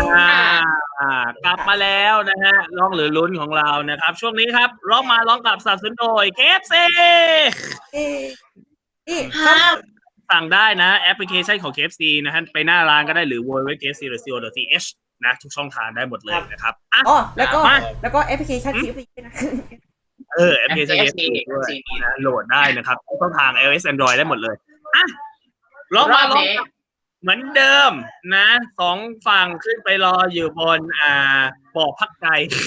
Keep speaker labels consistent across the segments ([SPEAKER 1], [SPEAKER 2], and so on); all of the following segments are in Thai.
[SPEAKER 1] กลับมาแล้วนะฮะร้องหรือลุ้นของเรานะครับช่วงนี้ครับร้องกับสนับสนุนโดย KFC
[SPEAKER 2] นี่ครับ
[SPEAKER 1] สั่งได้นะแอปพลิเคชันของ KFC นะฮะไปหน้าร้านก็ได้หรือ www.kfc.co.th นะทุกช่องทางได้หมดเลยนะครับ
[SPEAKER 2] อ๋อแล้วก็แอปพลิเคชัน KFC นะ
[SPEAKER 1] แอปพลิเคชัน KFC ด้วยนะโหลดได้นะครับทุกช่องทาง iOS Android ได้หมดเลยร้องเหมือนเดิมนะสองฝั่งขึ้นไปรออยู่บนบ่อพักใจ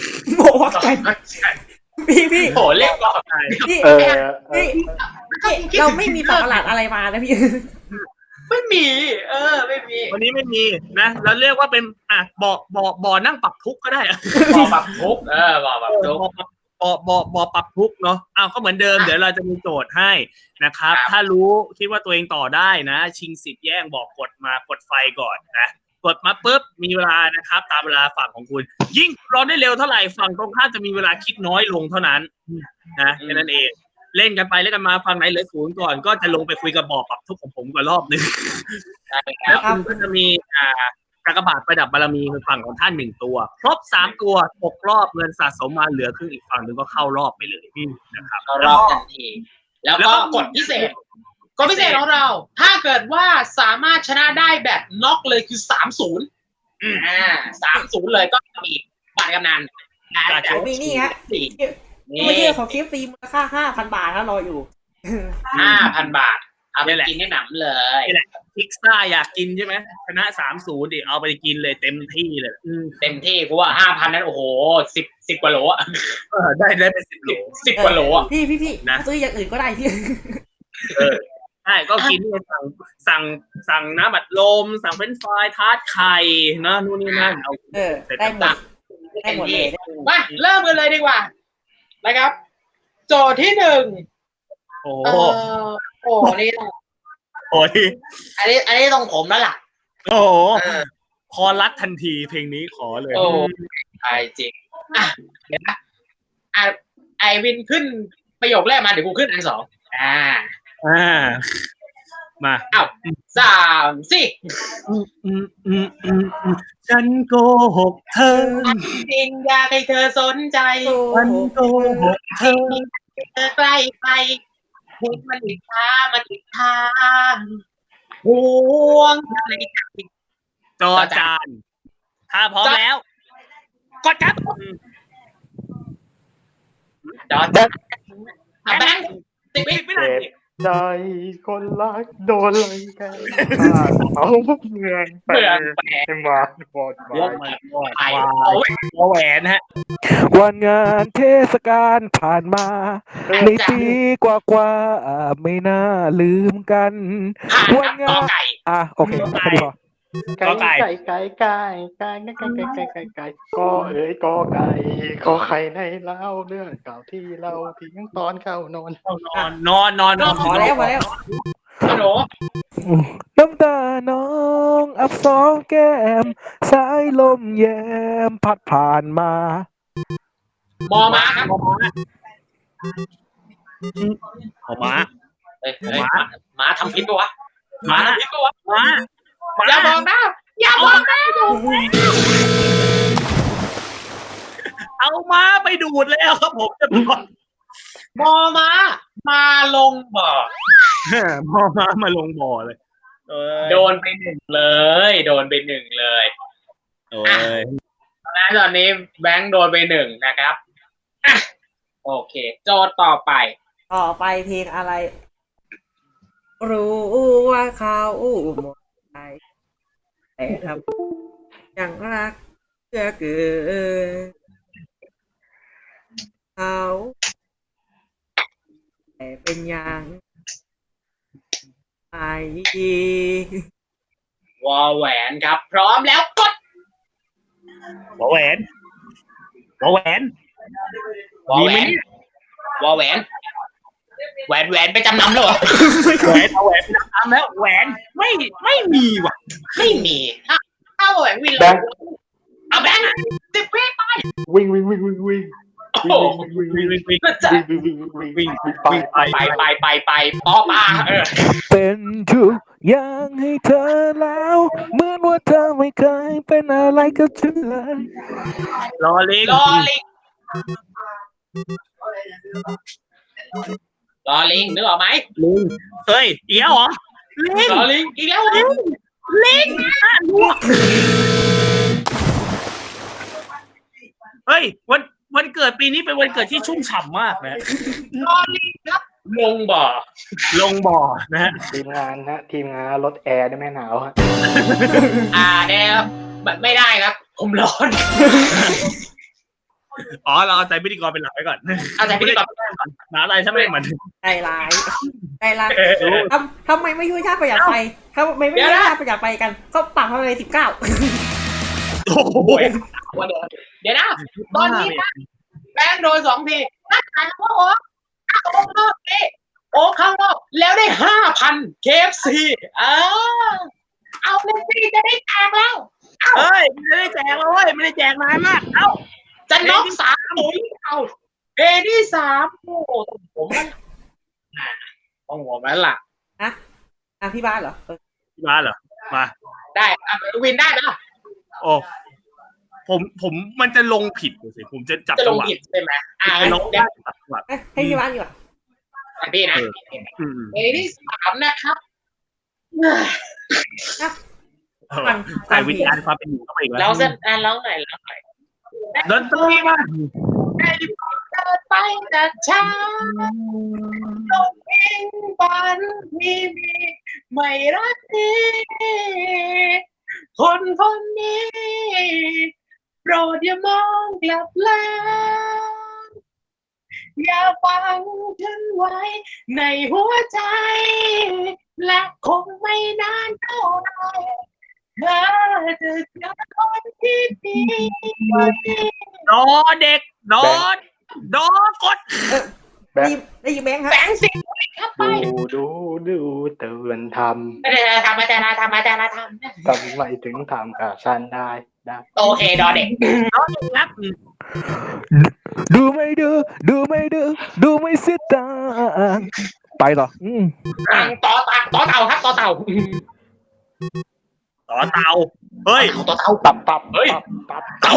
[SPEAKER 1] พี่
[SPEAKER 3] โหเรียกบ่อพักใจ
[SPEAKER 2] พี่เราไม่มีสัตว์ประหลาดอะไรมานะพี่
[SPEAKER 3] ไม่มีไม่มี
[SPEAKER 1] วันนี้ไม่มีนะเราเรียกว่าเป็นบ่อนั่งปรับทุกข์ก็ได้
[SPEAKER 3] บ่อปรับทุกข์บ่อปรับทุกข์
[SPEAKER 1] บ่อปรับทุกข์เนาะก็เหมือนเดิมเดี๋ยวเราจะมีโจทย์ให้นะครับถ้ารู้คิดว่าตัวเองต่อได้นะชิงสิทธิ์แย่งบอกกดไฟก่อนนะกดมาปุ๊บมีเวลานะครับตามเวลาฝั่งของคุณยิ่งร้อนได้เร็วเท่าไหร่ฝั่งตรงข้ามจะมีเวลาคิดน้อยลงเท่านั้นนะแค่นั้นเองเล่นกันไปเล่นกันมาฝั่งไหนเหลือศูนย์ก่อนก็จะลงไปคุยกับบ่อปรับทุกข์ของผมก่อนรอบนึงแล้วคุณก็จะมีกากบาทประดับบารมีคือฝั่งของท่าน1ตัวครบ3ตัวตกรอบเงินสะสมมาเหลือครึ่งอีกฝั่งนึงก็เข้ารอบไปเลยนะครับ
[SPEAKER 3] เข้ารอบทันทีแล้วก็กดพิเศษของเราถ้าเกิดว่าสามารถชนะได้แบบน็อกเลยคือ30เลยก็มีบัตรกำนัน
[SPEAKER 2] มีนี่ฮะไม่ใช่ของ KFC มูลค่า 5,000 บาทนะรออยู่
[SPEAKER 3] 5,000 บาทเอาไปกินให้หนำเลย
[SPEAKER 1] นี่แหละพิซซ่าอยากกินใช่ไหมชนะ30ดิเอาไปกินเลยเต็มที่เลย
[SPEAKER 3] เต็มที่เพราะว่า 5,000 นั้นโอ้โห10กว่าโล
[SPEAKER 1] ได้เป็น10 โล
[SPEAKER 3] 10 กว่าโล
[SPEAKER 2] พี่นะซื้ออย่างอื่นก็ได้พี่
[SPEAKER 1] ใช่ก็กินสั่งน้ำอัดลมสั่งเฟรนช์ฟรายทาร์ตไข่นะนู่นนี่นั่นเอา
[SPEAKER 2] ได้หมดเลย
[SPEAKER 3] มาเริ่มกันเลยดีกว่านะครับโจทย์ที่1นี่อันนี้ต้องผมแล้วล่ะ
[SPEAKER 1] คอรัดทันทีเพลงนี้ขอเลย
[SPEAKER 3] ใช่จริงเดี๋ยวนะไอวินขึ้นประโยคแรกมาเดี๋ยวกูขึ้นอัน2
[SPEAKER 1] มา
[SPEAKER 3] 3 4
[SPEAKER 1] ฉันโกหกเธอ
[SPEAKER 3] จริงอยากให้เธอสนใจ
[SPEAKER 1] ฉันโกหกเธอ
[SPEAKER 3] ใกล้ไปเห็นมันอีกทางห่วงอะไร
[SPEAKER 1] จอจานถ้าพร้อมแล้วกดครับ
[SPEAKER 3] จอจานแบงค์10 วินาที
[SPEAKER 4] ใจคนรักโดนอะไรกันเอาเมืองไปมาบอด
[SPEAKER 1] แหวนฮะ
[SPEAKER 4] วันงานเทศกาลผ่านมาในปีกว่าไม่น่าลืมกันวันงานโอเคพอไก่ก็ไข่ในเล่าเรื่องเก่าที่เราทิ้งตอนเข้านอน
[SPEAKER 1] พอแล้ว
[SPEAKER 4] น้ำตาน้องอับสองแก้มสายลมแยมพัดผ่านมา
[SPEAKER 3] ม้าครับม้าทำพิษปะวะม้าอย่าบอกนะ
[SPEAKER 1] เอาม้าไปดูดแล้วครับผมจะบอก
[SPEAKER 3] มาลงบ่อ
[SPEAKER 1] มาลงบ่อเลย
[SPEAKER 3] โดนไป1เลยตอนนี้แบงค์โดนไป1นะครับโอเคโจทย์ต่อไป
[SPEAKER 2] เพลงอะไรรู้ว่าเขาหมดใจแต่ทำยังรักเชื่อเกินเขาแต่เป็นยังไง
[SPEAKER 3] วอแหวนครับพร้อมแล้วกด
[SPEAKER 1] วอแหวน
[SPEAKER 3] ไปจำนำแล้วเหรอ
[SPEAKER 1] แหวนไปจำนำแล้วแหวนไม่มีว่ะ
[SPEAKER 3] ไม่มีถ้าแหวนวินเลยเอาแบงค์10 วิไป
[SPEAKER 4] วิ่ง
[SPEAKER 3] ไปป้อมา
[SPEAKER 4] เป็นทุกยังให้เธอแล้วเหมือนว่าเธอไม่เคยเป็นอะไรกับฉันเลย
[SPEAKER 1] รอลิง
[SPEAKER 3] รอลิงรอลิงนึกออกไหม
[SPEAKER 1] ลิงเฮ้ยเดี๋ยวเหรอลิง
[SPEAKER 3] รอลิงอีกแล้วเหรอ
[SPEAKER 1] ลิงลวกเฮ้ยวันเกิดปีนี้เป็นวันเกิดที่ชุ่มฉ่ำมากนะ
[SPEAKER 3] รอลิงครับลงบ่อ
[SPEAKER 1] ลงบ่อนะฮะ
[SPEAKER 4] ทีมงานรถแอร์ได้ไหมหนาวฮะ
[SPEAKER 3] เนี่ยไม่ได้ครับ ผมร้อน
[SPEAKER 1] อ๋อเราเอาใจพิธีกรเป็นหลักไว้ก่อน
[SPEAKER 3] เอาแต่พี่ดีกว่า
[SPEAKER 1] หาอะไรถ้าไม่เหมือน
[SPEAKER 2] ใจร้ายทำไมไม่ช่วยชาติประหยัดไฟทำไมไม่ช่วยชาติประหยัดไฟกันก็ปรับอะไร19
[SPEAKER 1] โอ้โห
[SPEAKER 3] เดี๋ยวนะตอนนี้นะแบงค์โดน2 ทีนั่นหมายความว่าโอ๊คเข้ารอบนี้โอ๊คเข้ารอบแล้วได้ 5,000 KFC เอาเลยสิจะได้แจกแล้ว
[SPEAKER 1] เฮ้ยไม่ได้แจกแล้วเว้ยไม่ได้แจกนานมากเอ้า
[SPEAKER 3] จะน็อก3-0เอาเกมที่ 3โอ้โหผมมันต้องหัวมันล่ะ
[SPEAKER 2] พี่บ้านเหรอ
[SPEAKER 1] มาเหรอมา
[SPEAKER 3] ได้วินได้ไหม
[SPEAKER 1] โอ้ผมมันจะลงผิดสิผมจะจับ
[SPEAKER 3] จะล
[SPEAKER 1] จัง
[SPEAKER 3] ง
[SPEAKER 1] หวะ
[SPEAKER 3] ผิดใช่ไหม
[SPEAKER 1] จะลง
[SPEAKER 3] เดี๋ยว
[SPEAKER 1] จังหวะ
[SPEAKER 2] ให้พี่บ้านดีกว่า
[SPEAKER 3] พี่นะ
[SPEAKER 1] อืม
[SPEAKER 3] เกมที่ 3นะครับ
[SPEAKER 1] ใส่วิญญาณความเป็นอยู่เข้าไปอีกแล้ว
[SPEAKER 3] เราเส้นร้องหน่อย
[SPEAKER 1] ดนตรีมา
[SPEAKER 3] ได้เดินไปจากช้าลงอิงฝันมีไม่รักนี้คนนี้โปรดอย่ามองกลับหลังอย่าฟังฉันไว้ในหัวใจและคงไม่นานเท่าไหร่เธอจะเจอคนที่ดีกว่านี้
[SPEAKER 1] ดอเด็กดอกด
[SPEAKER 2] ได้ยินแบงค์ฮะ
[SPEAKER 3] แบงค์สิครับไป
[SPEAKER 4] ดูเตือนท
[SPEAKER 3] ไม่ได้ทำมาแต่ละทำ
[SPEAKER 4] ำทำไมถึงทำกับฉันได้
[SPEAKER 3] โอเคดอเด็ก
[SPEAKER 1] ครับ
[SPEAKER 4] ดูไม่เสียตังค์ไปเหรอ
[SPEAKER 3] ต่อเต่าครับต่อเต่า
[SPEAKER 1] ต่อเตาเฮ้ย
[SPEAKER 3] ต่อเต่า
[SPEAKER 4] ตับ
[SPEAKER 3] เฮ้ย
[SPEAKER 4] ตับ
[SPEAKER 3] เต่า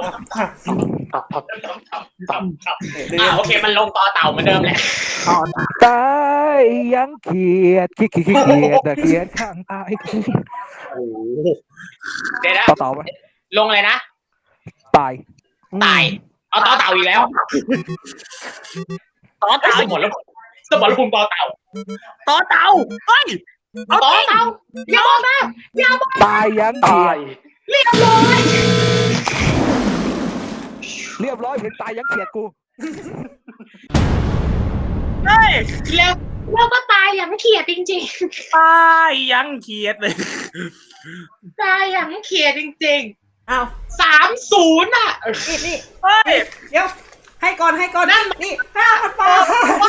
[SPEAKER 4] ตับ
[SPEAKER 3] โอเคมันลงต่อเต่าเหมือนเดิมแหละ
[SPEAKER 4] ตายยังเขียดข้างตาย
[SPEAKER 1] โอ้โห
[SPEAKER 3] เดี๋ยวนะ
[SPEAKER 4] ต่อไหม
[SPEAKER 3] ลงเลยนะ
[SPEAKER 4] ตาย
[SPEAKER 3] เอาต่อเต่าอีกแล้ว
[SPEAKER 1] ต่อเตา
[SPEAKER 3] สมรภูมิต่อเต่า
[SPEAKER 1] ต่อเตาเฮ้ยเอา
[SPEAKER 3] ต่อ
[SPEAKER 1] จริง
[SPEAKER 3] เต่าอย่าบอกนะ
[SPEAKER 4] ตายยังเขียด
[SPEAKER 3] เรียบร้อย
[SPEAKER 4] เรียบร้อยเห็นตายยังเขียดกู
[SPEAKER 1] เฮ้ย
[SPEAKER 3] แล้วก็ตายอย่างเขียดจริง
[SPEAKER 1] ตายยังเขียดเลย
[SPEAKER 3] ๆตายอย่างเขียดจริง
[SPEAKER 2] อ้าว
[SPEAKER 3] ๆ 30อ่ะ
[SPEAKER 2] นี่
[SPEAKER 1] เฮ้ย
[SPEAKER 2] เดี๋ยวให้ก่อนนี่5,000 บาท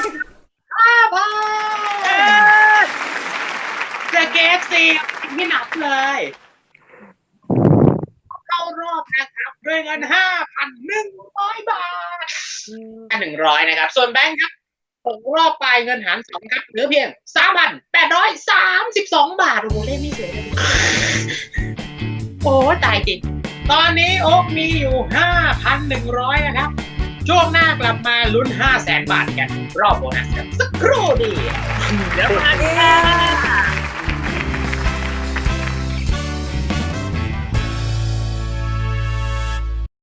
[SPEAKER 3] 5,000จะเกฟซีที่หนักเลยเข้ารอบนะครับด้วยเงิน 5,100 บาท100นะครับส่วนแบงค์ครับตกรอบไปเงินหาร2ครับเหลือเพียง 3,832 บาทโอ้โหเล่นไม่เสียเลยโอ้ตายจริงตอนนี้โอ๊คมีอยู่ 5,100 นะครับ ช่วงหน้ากลับมาลุ้น 500,000 บาทกันรอบโบนัสกันสักครู่เดียว
[SPEAKER 1] เดี๋ยวมา